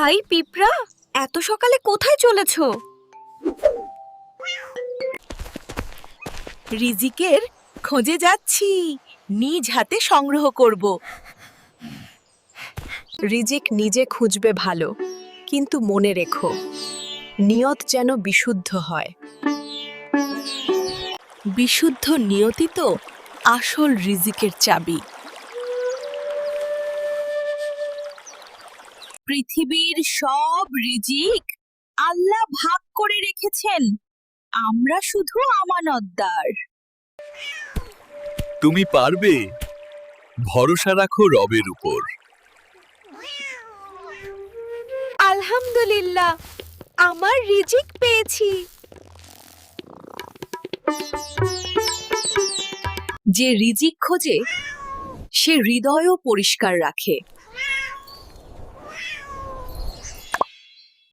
High পিঁপড়া, এত সকালে কোথায় চলেছ? রিজিকের খোঁজে যাচ্ছি, নিজ হাতে সংগ্রহ করব। রিজিক নিজে খুঁজবে ভালো, কিন্তু মনে রেখো নিয়ত যেন বিশুদ্ধ হয়। বিশুদ্ধ নিয়তি তো আসল রিজিকের চাবি। পৃথিবীর সব রিজিক আল্লাহ ভাগ করে রেখেছেন, আমরা শুধু আমানতদার। তুমি পারবে, ভরসা রাখো রবের উপর। আলহামদুলিল্লাহ, আমার রিজিক পেয়েছি। যে রিজিক খোঁজে সে হৃদয়ও পরিষ্কার রাখে।